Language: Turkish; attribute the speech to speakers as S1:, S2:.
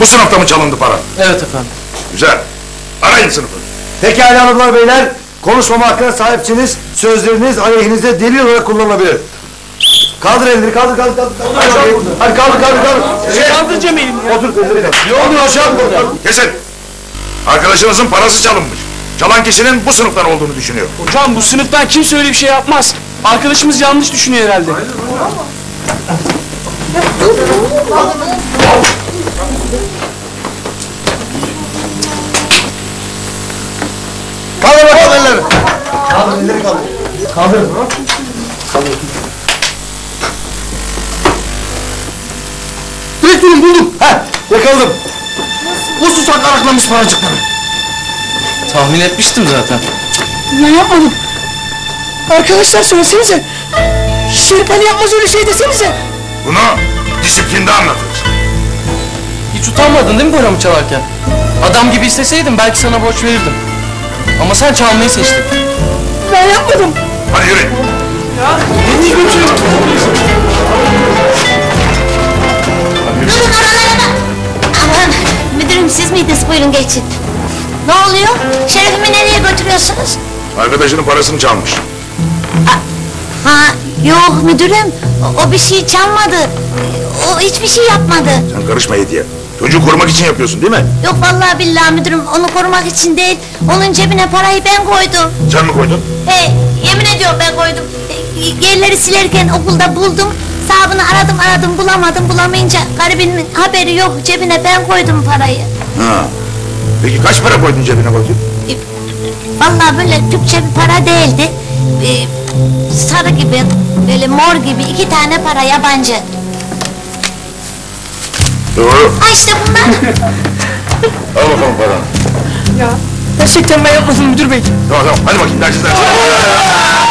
S1: Bu sınıfta mı çalındı para?
S2: Evet efendim.
S1: Güzel. Arayın sınıfı.
S3: Pekala hanımlar beyler, konuşmama hakkına sahipsiniz. Sözleriniz aleyhinizde delil olarak kullanılabilir. Kaldır elleri, kaldır. Hadi kaldır.
S2: Kaldır Cemil'im ya.
S3: Otur elleri kaldır. Ne oluyor aşağı?
S1: Kesin. Arkadaşınızın parası çalınmış. Çalan kişinin bu sınıftan olduğunu düşünüyor.
S2: Hocam bu sınıftan kimse öyle bir şey yapmaz. Arkadaşımız yanlış düşünüyor herhalde.
S3: Kaldır bakalım elleri. Kaldır elleri kaldır. Kaldır. Direktörüm buldum. Yakaladım. Bu susak araklamış paracıkları.
S2: Tahmin etmiştim zaten.
S4: Ben yapmadım. Arkadaşlar söylesenize. Şerif Ali yapmaz öyle şey desenize.
S1: Bunu disiplinde anlatırız.
S2: Hiç utanmadın değil mi paramı çalarken? Adam gibi isteseydim belki sana borç verirdim. Ama sen çalmayı seçtin.
S4: Ben yapmadım.
S1: Hadi yürü.
S5: Durun oralara bak! Aman müdürüm siz miydiniz? Buyurun geçin. Ne oluyor? Şerefimi nereye götürüyorsunuz?
S1: Arkadaşının parasını çalmış.
S5: Ha yok müdürüm. O bir şey çalmadı. O hiçbir şey yapmadı.
S1: Sen karışma Hediye. Çocuğu korumak için yapıyorsun değil mi?
S5: Yok vallahi billahi müdürüm onu korumak için değil. Onun cebine parayı ben koydum.
S1: Sen mi koydun?
S5: Yemin ediyorum ben koydum. Yerleri silerken okulda buldum. Sahibini aradım bulamadım. Bulamayınca garibinin haberi yok. Cebine ben koydum parayı.
S1: Ha. Peki kaç para koydun cebine bakayım?
S5: Vallahi böyle Türkçe bir para değildi. Sarı gibi, böyle mor gibi 2 tane para yabancı.
S1: Doğru.
S5: Ha işte bunlar.
S1: Al bakalım paranı.
S4: Gerçekten ben yapmadım müdür bey.
S1: Tamam hadi bakayım dersi.